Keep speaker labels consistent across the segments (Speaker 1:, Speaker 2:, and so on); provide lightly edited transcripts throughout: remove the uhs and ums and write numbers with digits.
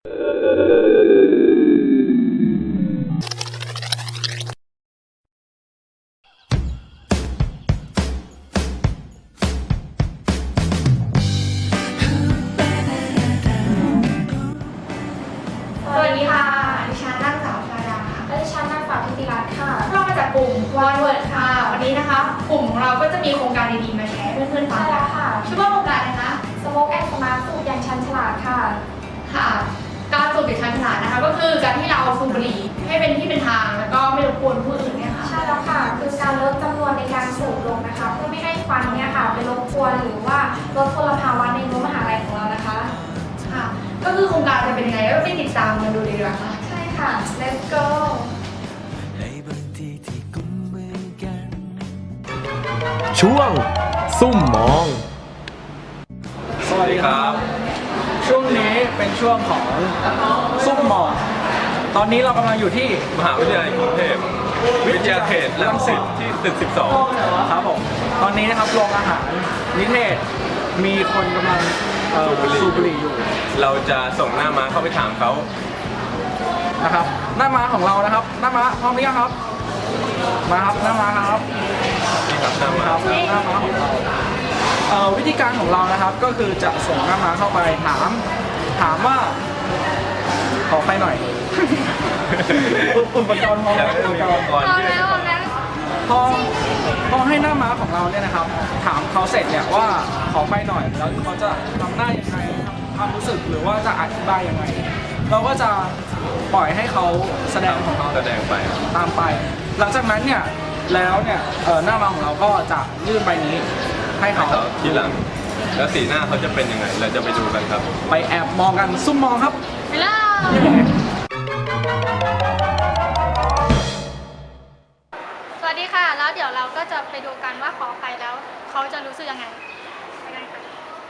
Speaker 1: วัสดีค่ะดิฉันนางสาวชาดาค่ะและดิฉันนางสาวธิติรัตน์ค่ะเรามาจากกลุ่มวันเวิร์ดค่ะวันนี้นะคะกลุ่มของเราก็จะมีโครงการดีๆมาแชร์ให้เพื่อนๆฟังกันค่ะชื่อว่าโครงการอะไรคะสโมกแอนด์สมาร์ทสูบอย่างชันฉลาดค่ะการสูบอย่างชันฉลาดนะคะก็คือการที่เราสูบบุหรี่ให้เป็นที่เป็นทางแล้วก็ไม่รบกวนผู้อื่นเนี่ยค่ะใช่แล้วค่ะคือการลดจำนวนในการสูบลงนะคะเพื่อไม่ให้ควันเนี่ยค่ะไปรบกวนหรือว่าลดมลภาวะในรั้วมหาลัยของเรานะคะค่ะก็คือโครงการจะเป็นยังไงก็ไปติดตามกันดูดีกว่าค่ะใช่ค่ะ let's go
Speaker 2: ช่วงซุ่มมอง
Speaker 3: สวัสดีครับช่วงนี้เป็นช่วงของซุ่มมองตอนนี้เรากำลังอยู่ที่
Speaker 4: มหาวิทยาลัยกรุงเทพวิทยาเขตรังสิตที่ตึก 12
Speaker 3: ครับผมตอนนี้นะครับโรงอาหารนิเทศมีคนกำลังสูบบุหรี่อยู่
Speaker 4: เราจะส่งหน้าม้าเข้าไปถามเขา
Speaker 3: นะครับหน้าม้าของเรานะครับหน้าม้าพร้อมหรือยังครับมาครับหน้าม้าครับ
Speaker 4: นี่ครับหน้าม้า
Speaker 3: ของเราวิธีการของเรานะครับก็คือจะส่งหน้าม้าเข้าไปถามว่าขอไฟหน่อยอุปกรณ์พร้อมพอให้หน้าม้าของเราเนี่ยนะครับถามเขาเสร็จเนี่ยว่าขอไฟหน่อยแล้วเขาจะทำหน้ายังไงความรู้สึกหรือว่าจะอธิบายยังไงเราก็จะปล่อยให้เขาแสดงของเขา
Speaker 4: แสดงไป
Speaker 3: ตามไปหลังจากนั้นเนี่ยแล้วเนี่ยหน้าม้าของเราก็จะยื่นใบนี้ให้เขา
Speaker 4: ทีหลังแล้วสีหน้าเขาจะเป็นยังไงเราจะไปดูกันครับ
Speaker 3: ไปแอบมองกันซุ่มมองครับ
Speaker 1: ไปเลยสวัสดีค่ะแล้วเดี๋ยวเราก็จะไปดูกันว่าขอไปแล้วเขาจะรู้สึกยังไงไปกันค่ะ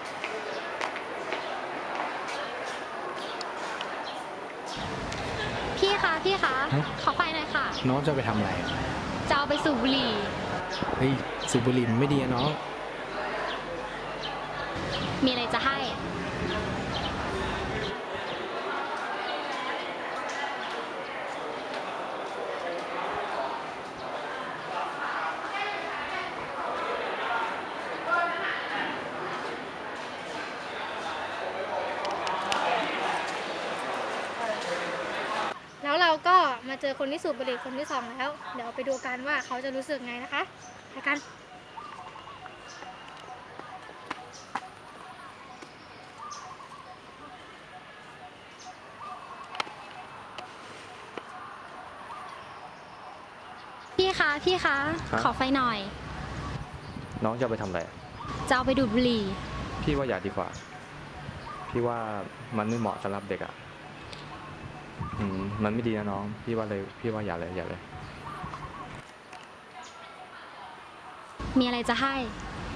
Speaker 5: พี่คะขอไฟหน่อยค่ะ
Speaker 2: น้องจะไปทำอะไร
Speaker 5: จะเอาไปสูบบุหรี่
Speaker 2: เฮ้ยสูบบุหรี่มันไม่ดีนะน้อง
Speaker 5: มีอะไรจะให้
Speaker 1: แล้วเราก็มาเจอคนที่สูบบุหรี่คนที่2แล้วเดี๋ยวไปดูกันว่าเขาจะรู้สึกไงนะคะไปกัน
Speaker 5: พี่คะขอไฟหน่อย
Speaker 2: น้องจะไปทำอะไร
Speaker 5: จะเอาไปดูดบุหรี่
Speaker 2: พี่ว่าอย่าดีกว่าพี่ว่ามันไม่เหมาะสำหรับเด็กอ่ะมันไม่ดีนะน้องพี่ว่าอย่าเลย
Speaker 5: มีอะไรจะให้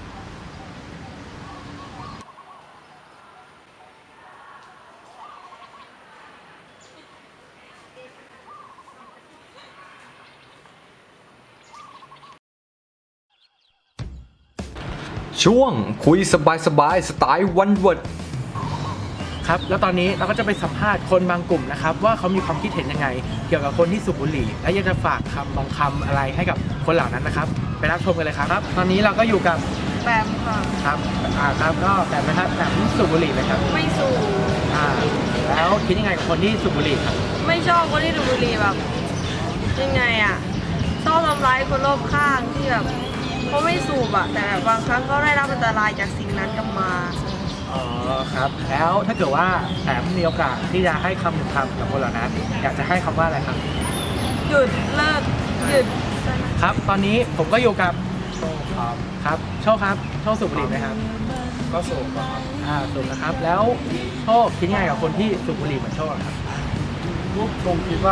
Speaker 2: ช่วงคุยสบายสไตล์วันเวิร์ด
Speaker 3: ครับแล้วตอนนี้เราก็จะไปสัมภาษณ์คนบางกลุ่มนะครับว่าเขามีความคิดเห็นยังไงเกี่ยวกับคนที่สูบบุหรี่และอยากจะฝากบางคำอะไรให้กับคนเหล่านั้นนะครับไปรับชมกันเลยครับตอนนี้เราก็อยู่กับ
Speaker 6: แปมค่ะ
Speaker 3: ครับครับก็แปมนะครับแปมสูบบุหรี่ไหมครับ
Speaker 6: ไม่สูบ
Speaker 3: แล้วคิดยังไงกับคนที่สูบบุหรี่ครับ
Speaker 6: ไม่ชอบคนที่สูบบุหรี่แบบยังไงอ่ะชอบทำร้ายคนรอบข้างที่แบบเขาไม่สูบอ่ะแต่บางครั้งก็ได้รับอันตรายจากสิ่งนั้นกลับมา
Speaker 3: อ๋อครับแล้วถ้าเกิดว่าแปมมีโอกาสที่จะให้คำหนึ่งคำกับคนเหล่านั้นอยากจะให้คำว่าอะไรครับ
Speaker 6: หยุดเลิกหยุด
Speaker 3: ครับตอนนี้ผมก็อยู่กับโชคครับโชคครับโชคสูบบุหรี่ไหมครับ
Speaker 4: ก็สูบครับ
Speaker 3: สูบนะครับแล้วโชคคิดยังไงกับคนที่สูบบุหรี่เหมือนโชคครับ
Speaker 4: ผมคิดว่า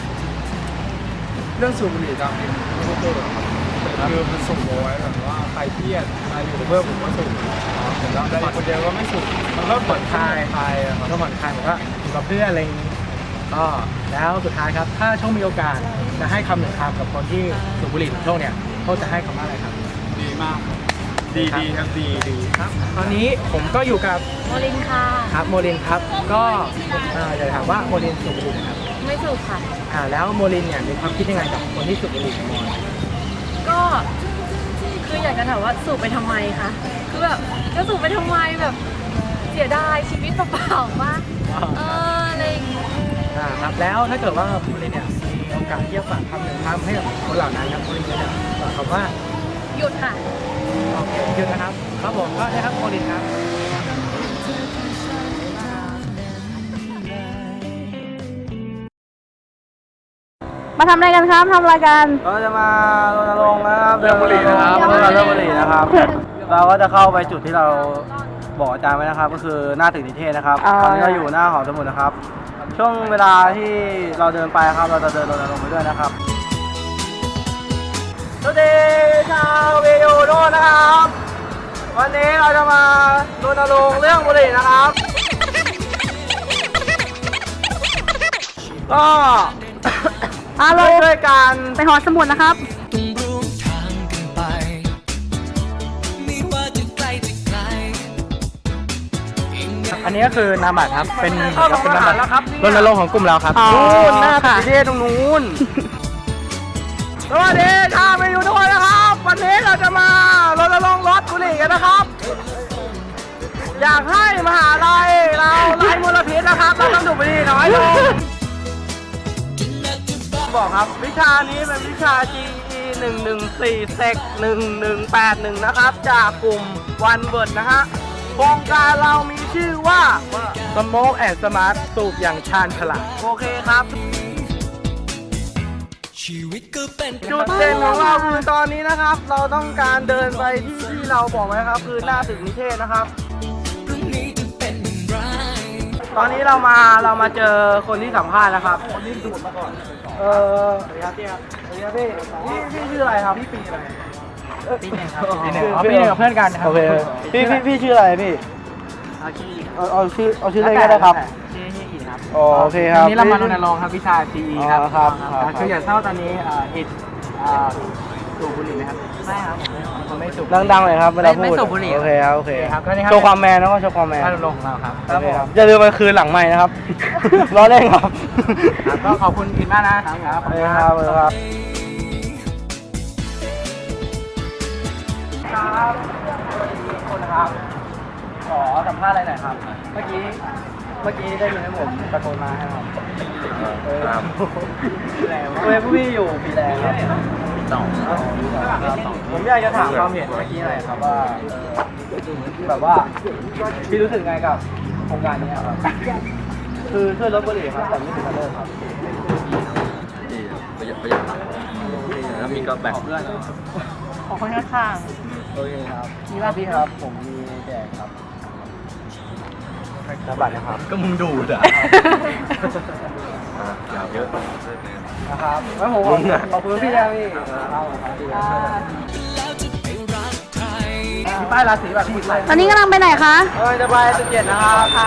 Speaker 4: เรื่องสูบบุหรี่ตามนี้ไม่ได้เลยครับคือมันสูบเอาไว้แบบว่าใครเครียดใครอยู่กับเพื่อนผมก็สูบแต่คนเดียวก็ไม่สูบ
Speaker 3: มันก็ผ่อนคลายก็ผ่อนคลายเหมือนว่าอยู่กับเพื่อนอะไรอย่างนี้ก็แล้วสุดท้ายครับถ้าโชคมีโอกาสจะให้คำหนึ่งคำกับคนที่สูบบุหรี่เหมือนโชคเนี่ยโชคจะให้คำว่าอะไรครับ
Speaker 4: ดีมากดีครับดี
Speaker 3: ครับ ตอนนี้ผมก็อยู่กับ
Speaker 5: โมลินค่ะ
Speaker 3: ครับโมลินครับ ก็อยากถามว่าโมลินสูบบุหรี่นะครับ
Speaker 5: ไม่สูบค่ะ
Speaker 3: แล้วโมลินเนี่ยมีความคิดยังไงกับคนที่สูบบุหรี่กับมอน
Speaker 6: ก็คืออยากจะถามว่าสูบไปทำไมคะคือแบบจะสูบไปทำไมแบบเสียดายชีวิตเปล่าๆว่าอะไรอย่างเงี้ย
Speaker 3: ครับแล้วถ้าเกิดว่าโมลินเนี่ยมีโอกาสที่จะฝากคำหนึ่งคำให้กับคนเหล่านั้นครับโมลินจะฝากคำว่า
Speaker 5: หยุดค่ะ
Speaker 3: โอเคหยุดนะครับครับผมก็ได้ครับโมลินครับ
Speaker 6: มาทำอะไรกันครับทำอะไรกัน
Speaker 7: เราจะมารณรงค์นะครับเรื่องบุหรี่นะครับเรื่องบุหรี่นะครับ เราก็จะเข้าไปจุดที่เราบอกอาจารย์ไว้นะครับ ก็คือหน้าตึกนิเทศนะครับตอนนี้เราอยู่หน้าหอสมุดนะครับ ช่วงเวลาที่เราเดินไปครับเราจะเดินรณรงค์ไปด้วยนะครับสวัสดีชาววิวโดนะครับ วันนี้เราจะมารณรงค์เรื่องบุหรี่นะครับ ก็ ช่วยกันไปหอสมุดนะครับ
Speaker 3: อันนี้ก็คือนามบัตรครับเป็น
Speaker 7: เข้าของทหารแล้วครับ
Speaker 3: รณรงค์ของกลุ่มเราครับ
Speaker 7: นู่นหน้าตึกนิเทศตรงนู้นสวัสดีชาวไปอยู่ด้วยนะครับ วันนี้เราจะมารณรงค์ลดบุหรี่กันนะครับ อยากให้มหาลัยเราไล่มลพิษนะครับ เราต้องดูดบุหรี่น้อยลงบอกครับวิชานี้เป็นวิชา GE 114 Sec 1181นะครับ จากกลุ่ม One Word นะฮะโครงการเรามีชื่อว่า
Speaker 3: Smoke and Smart สูบอย่างชาญฉลาด
Speaker 7: โอเคครับ จุดเด่นของเราคือตอนนี้นะครับ เราต้องการเดินไปที่เราบอกไว้ครับ คือหน้าตึกนิเทศนะครับ ตอนนี้เรามาเจอคนที่สัมภาษณ์นะครับ คนที่ดูดมาก่อนสวัสดีครับพี่ครับสวัสดีครับพี่ชื่ออะไรครับพี่ปีอะไรปีหนึ่งครับปีหนึ่ง
Speaker 3: ปีหนึ่งกับเพื่อนกันนะครับ
Speaker 7: โอเคพี่ชื่ออะไรพี่เอาชื่อเล่นก็ได้ครับ
Speaker 3: ชื่ออีครับ
Speaker 7: อ๋อโอเคครับ
Speaker 3: วันนี้เรามารณรงค์ครับวิชา GE ครับ
Speaker 7: อ๋อครับ
Speaker 3: คืออย่างเท่าตอนนี้อิดสูบบุหรี่ไหมครับไม่ครับผมไม่สูบ
Speaker 7: ดังๆเลยครับเวลาพูด
Speaker 3: ไม่สูบบุหรี่
Speaker 7: โอเคครับโอเค
Speaker 3: ครับก็นี่ครับ
Speaker 7: โชว์ความแมนนะก็โชว์ความแมน
Speaker 3: รณรงค์ของเราครับ
Speaker 7: โอเคครับอย่าลืมไปคืนหลังใหม่นะครับ ล้อเล่นครับ
Speaker 3: ครับก็ขอบคุณอิดมากนะครับ
Speaker 7: โอเคครับโอเคครับครับคนนะครับขอสัมภาษณ์อะไรหน่อยครับ เมื่อกี้ได้ยินให้ผมตะโกนมาให้ครับครับเว้ยผู้พี่อยู่ปีแรกครับปีสองผมอยากจะถามความเห็นเมื่อกี้หน่อยครับว่าแบบว่าพี่รู้สึกไงกับโครงการนี้ครับคือช่วยลดบุหรี่ครับแต่ไม่ถึงกับเลิกครับ
Speaker 2: ประหยัดแล้วมีก็แบ่ง
Speaker 7: เพื่อน
Speaker 6: ของคนข้าง
Speaker 7: โอเคครับมีหน้าที่ครับ ผมมีแจกครับรับบัตรนะครับ
Speaker 2: ก็มึงดูดอ่ะอยากเยอะ
Speaker 7: นะครับแล้วผมขอบคุณพี่นะพี่มีป้ายราศีแบบพี่ใส่
Speaker 6: ตอนนี้กำลังไปไหนคะ
Speaker 7: จะไป17นะครับค่ะ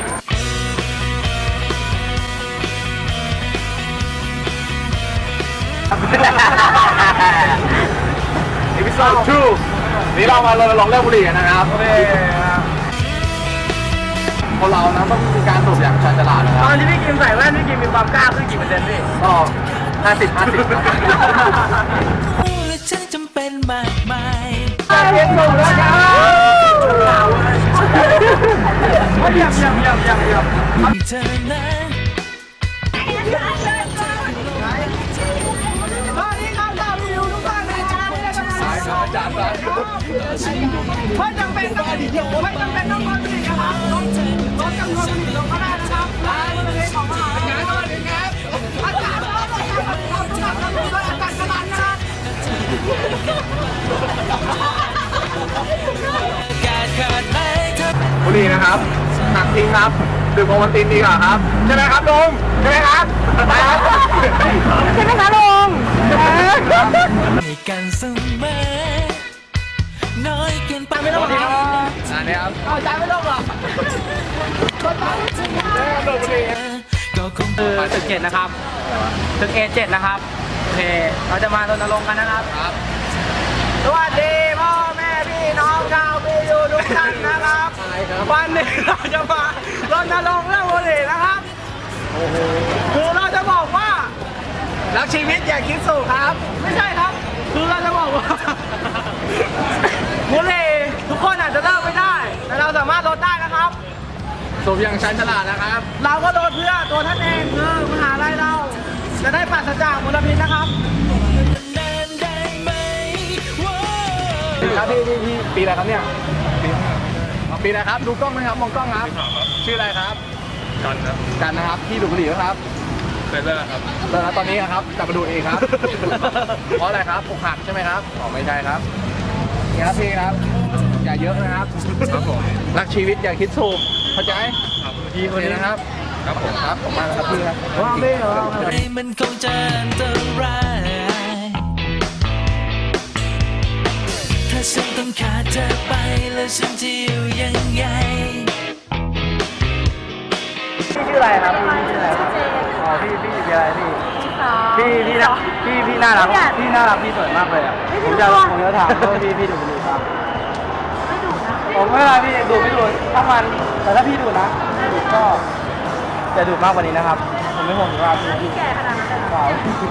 Speaker 4: Episode 2นี่เรามารณรงค์เรื่องบุหรี่กันนะครับ
Speaker 7: โอเคครับ
Speaker 4: คนเรานะต้องมีการสูบอย่างชาญฉลาดนะค
Speaker 7: ต
Speaker 4: รับ
Speaker 7: อนที่พี่กิมใส่แว่นพี่กิมมีความกล้าขึ้นกี่เปอร์เซ็นต์พี่
Speaker 4: ก็50ครับ
Speaker 8: ฉันจำเป็นมากมาย
Speaker 7: เรียนสูงแล้วครับเยี่ยม
Speaker 8: เธอนั้น
Speaker 7: ตอนนี้ครับเราวิวทุกท่านนะครับไม่จำเป็นต้องไม่จำเป็นต้องมาดีนะครับลดจำนวนผลิตลงก็ได้นะครับและบริเวณของมหาวิทยาลัยก็ดีครับอากาศร้อนเลยครับทุกท่านครับด้วยอากาศฉลาดนะครับ
Speaker 8: การขาดไหนเธอ
Speaker 4: บุหรี่นะครับหักทิ้งครับดื่มโอวัลตินดีกว่าครับใช่ไหมครับลุงใช่ไหมครับใช่ครับ
Speaker 7: ใช่ไหมคะลุง
Speaker 8: ให้กันเสมอน้อยเกินไปไม่
Speaker 4: ส
Speaker 8: ต้อง
Speaker 4: วัสดีครับอันนี้ครับ
Speaker 7: เอาใจไม่ต้องหรอก
Speaker 8: ก็คง
Speaker 7: คือตึก7นะครับตึก A7 นะครับโอเคเราจะมารณรงค์กันนะครับ
Speaker 4: ครับ
Speaker 7: สวัสดีพ่อแม่พี่น้อง
Speaker 3: ด้วยกันนะครับวันนี้เราจะมารณรงค์เรื่องบุหรี่นะครับคือเราจะบอกว่ารักชีวิตอย่าคิดสูบครับ ไม่ใช่ครับ คือเราจะบอกว่า บุหรี่ทุกคนอาจจะเลิกไม่ได้ แต่เราสามารถลดได้นะครับ
Speaker 4: สูบอย่างชันฉลาดนะครับ
Speaker 3: เราก็ลดเพื่อตัวท่านเองคือมหาลัยเรา จะได้ปราศจากมลพิษนะครับ
Speaker 8: นานได้ไหมว้าว
Speaker 4: ครับพี่ปีอะไรครับเนี่ยปีอะไรครับ ดูกล้องไหมครับ มองกล้องครับ ชื่ออะไรครับ
Speaker 2: กันครับ
Speaker 4: กันนะครับ พี่ดูดบุหรี่ไหมครับ
Speaker 2: เคยเลิกครับ
Speaker 4: เลิกแล้วตอนนี้ครับแต่มาดูดเองครับ เพราะอะไรครับอกหักใช่ไหมครับอ๋อไม่ใช่ครับนี่ครับพี่ครับ อย่าเยอะนะครับ
Speaker 2: ครับผม
Speaker 4: รักชีวิตอย่าคิดสูบเข้าใจ
Speaker 2: ครับ
Speaker 4: พี่คนนี้นะครับ
Speaker 2: ครับผม
Speaker 4: ครับผมมาแล้วครับพี่ครับ
Speaker 8: มันคงจะอันตรายถ้าฉันต้องขาดเธอไปแล้วฉันจะอยู่ยังไง
Speaker 7: พี่ชื่ออะไรครับพี่ชื่ออะไรครับอ๋อพี่ชื่ออะไรพี่น่าพี่น่ารักพี่สวยมากเลยอ่ะผมจะถามว่าพี่ดูดบุหรี่ครับไม่ดูนะผมไม่เป็นไรพี่ดูไม่ดูถ้ามันแต่ถ้าพี่ดูนะดูก็จะดูมากกว่านี้นะครับผมไม่ห่วงสุขภาพพี่แก่ขนาดนั้นเลยครับ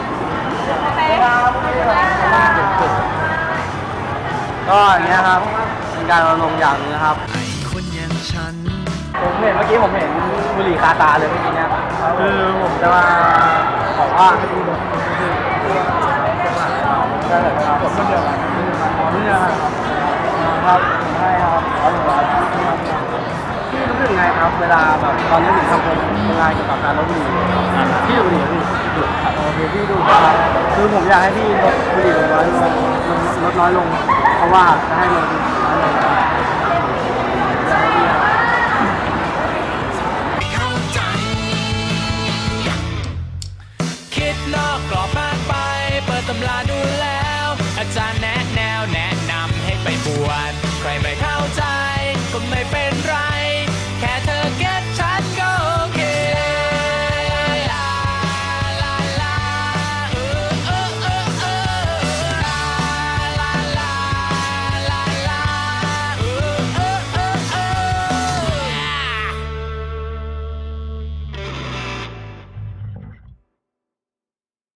Speaker 7: ก็อย่างเงี้ยครับเป็นการรณรงค์อย่างนึงนะครับ
Speaker 8: คนอย่างฉัน
Speaker 7: ผมเห็นเมื่อกี้ผมเห็นบุหรี่คาตาเลยเมื่อกี้เนี่ยคือผมจะมาบอกว่าได้เลยครับผมไม่เดียวกันไม่เดียวกันครับผมให้ครับพี่รู้สึกไงครับเวลาแบบตอนนี้ถึงทำงานเกี่ยวกับการลดบุหรี่พี่ดูบุหรี่พี่ดูครับโอเคพี่ดูครับคือผมอยากให้พี่ลดบุหรี่ลดน้อยลงเพราะว่าจะให้มันน้อยลง
Speaker 8: เข้าใจ คิดนอกกรอบมากไป เปิดตำราดูแล้ว อาจารย์แนะ